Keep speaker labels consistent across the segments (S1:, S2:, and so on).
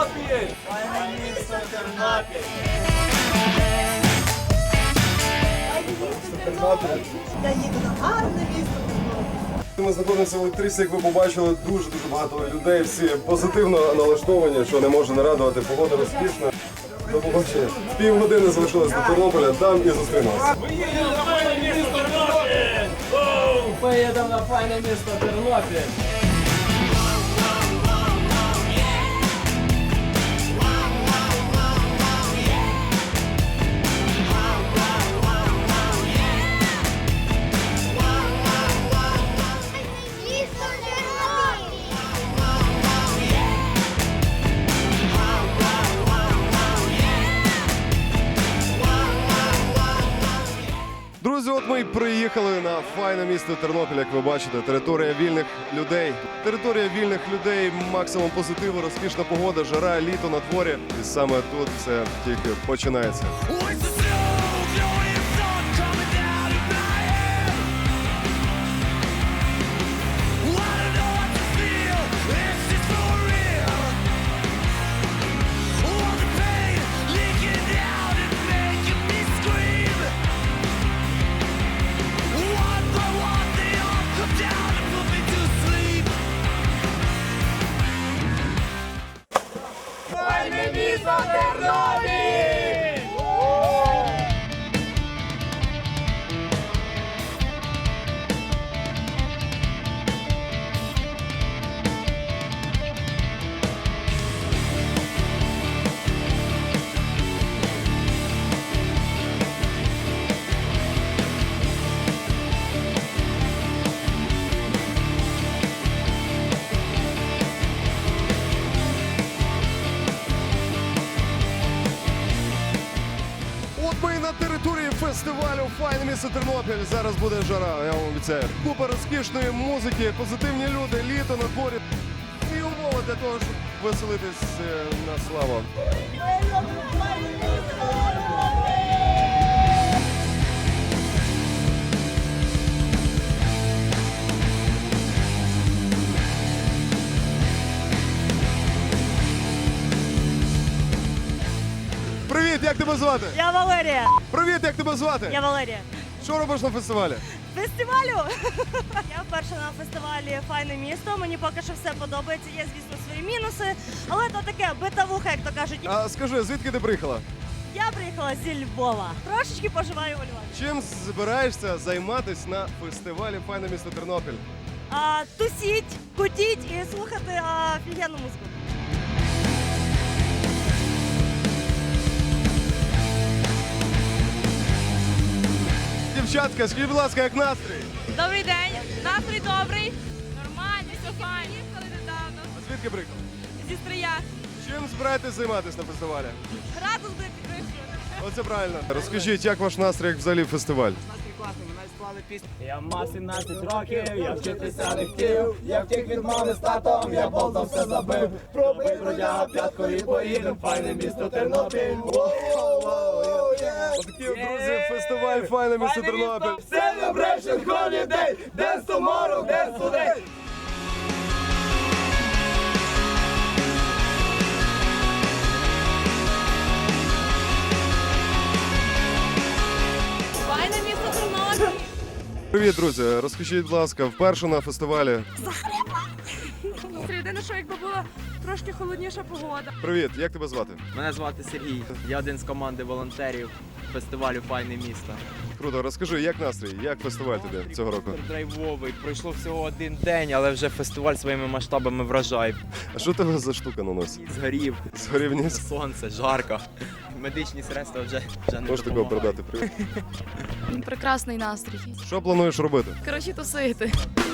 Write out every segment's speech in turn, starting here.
S1: Тернопіль! Файне місто Тернопіль!
S2: Я їду на гарне місто Тернопіль.
S3: Ми знаходимося в електричці, як ви побачили, дуже багато людей, всі позитивно налаштовані, що не може не радувати. Погода розкішна. До побачення. Півгодини залишилось до Тернополя, там і зустрінемося.
S1: Ми їдемо на файне місто Тернопіль! Поїдемо на файне місто Тернопіль!
S4: Місто Тернопіль!
S3: Друзі, от ми і приїхали на файне місто Тернопіль, як ви бачите. Територія вільних людей. Територія вільних людей, максимум позитиву, розкішна погода, жара, літо на дворі. І саме тут все тільки починається.
S1: Файне місто Тернопіль!
S3: От ми і на території фестивалю «Файне місто Тернопіль». Зараз буде жара, я вам обіцяю. Купа розкішної музики, позитивні люди, літо на дворі. І умови для того, щоб веселитись на славу. Привіт, як тебе звати?
S2: Я Валерія.
S3: Привіт, як тебе звати?
S2: Я Валерія.
S3: Що робиш на фестивалі?
S2: Фестивалю? Я вперше на фестивалі «Файне місто». Мені поки що все подобається. Є, звісно, свої мінуси, але то таке битавуха, як то кажуть.
S3: А скажи, звідки ти приїхала?
S2: Я приїхала зі Львова. Трошечки поживаю у Львові.
S3: Чим збираєшся займатися на фестивалі «Файне місто Тернопіль»?
S2: Тусіть, кутіть і слухати офігенну музику.
S3: Дівчатка, скажіть, будь ласка, як настрій?
S5: Добрий день, настрій добрий, нормально, все файно. Їхали недавно
S3: А звідки приїхали?
S5: зі Стрия.
S3: Чим збираєтесь займатися на фестивалі?
S5: Градус буде підвищувати.
S3: Оце правильно. Розкажіть, як ваш настрій, як взагалі фестиваль?
S1: Я мав 17 років, я вчитися не хотів. Я втік від мами з татом, я болтом все забив. Пробив бродяга п'ятку і поїдем, файне місто Тернопіль.
S3: Отакі, друзі, фестиваль «Файне місто Тернопіль».
S1: Celebration holiday, dance tomorrow, dance today.
S5: Файне місто Тернопіль.
S3: Привіт, друзі. Розкажіть, будь ласка, вперше на фестивалі.
S5: Єдине, що якби була трошки холодніша погода.
S3: Привіт, як тебе звати?
S6: Мене звати Сергій. Я один з команди волонтерів фестивалю «Файне місто».
S3: Круто, розкажи, як настрій, як фестиваль тобі цього року?
S6: Драйвовий. Пройшло всього один день, але вже фестиваль своїми масштабами вражає.
S3: А що тебе за штука на носі?
S6: Згорів,
S3: Згорів ніс?
S6: сонце, жарко. Медичні средства вже не
S3: Можеш такого
S6: допомагають.
S3: передати? Привіт.
S7: Прекрасний настрій.
S3: Що плануєш робити?
S7: Коротше, тусити.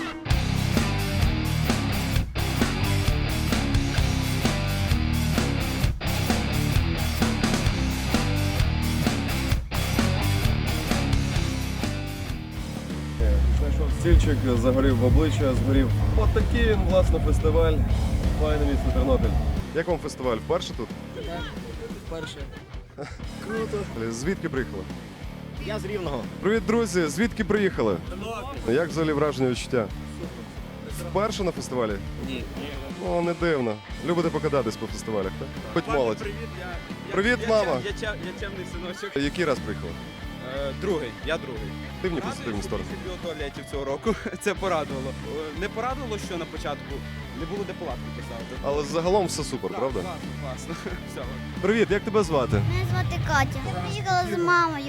S3: Знайшов стільчик, загорів в обличчя, згорів. От такий він, власне, фестиваль «Файне місто Тернопіль». Як вам фестиваль? Вперше тут?
S8: Так, вперше.
S3: Круто. Звідки приїхали?
S8: Я з Рівного.
S3: Привіт, друзі! Звідки приїхали? Як взагалі враження відчуття? Вперше на фестивалі?
S8: Ні.
S3: О, не дивно. Любите покататись по фестивалях, так? Хоч молодь. Привіт, мама.
S9: Я чемний синочок.
S3: Який раз приїхала?
S9: Другий, я другий.
S3: Активні позитивні сторони.
S9: У туалетів цього року. Це порадувало. Не порадувало, що на початку не було де палатки поставити.
S3: Але загалом все супер, правда?
S9: Класно. Все.
S3: Привіт, як тебе звати?
S4: Мене звати Катя. Я приїхала з мамою.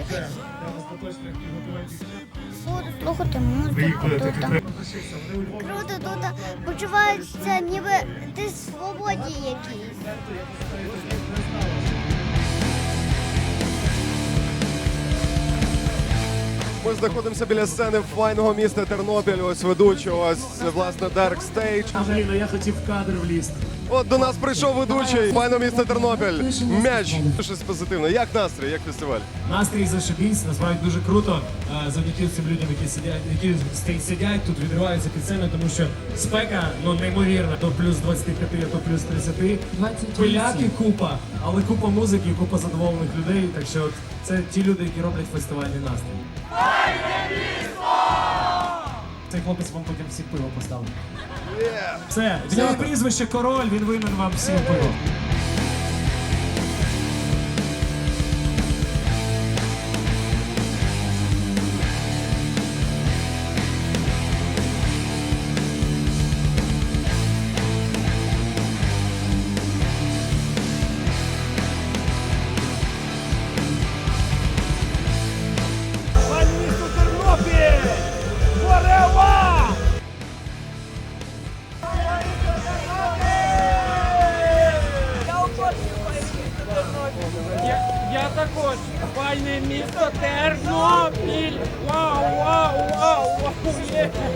S4: Буду слухати музику тут. Круто тут. Почувається, ніби ти в свободі якійсь.
S3: Ми знаходимося біля сцени файного міста Тернопіль. Ось ведучий, ось власне Dark Stage.
S10: Андрій, я хотів в кадр влізти.
S3: От до нас прийшов ведучий файного міста Тернопіль. М'яч. Щось позитивне. Як настрій, як фестиваль?
S10: Настрій зашибісь, насправді дуже круто. Завдяки цим людям, які сидять тут, відриваються під сценою, тому що спека неймовірна. То плюс 25, а то плюс 30. Пиляки купа, але купа музики, купа задоволених людей. Так що це ті люди, які роблять фестивальний настрій. Цей хлопець вам потім всі пиво поставить. Все, в нього прізвище Король, він винен вам всім пиво.
S1: Я також. Файне місто Тернопіль. Вау, вау, вау, вау.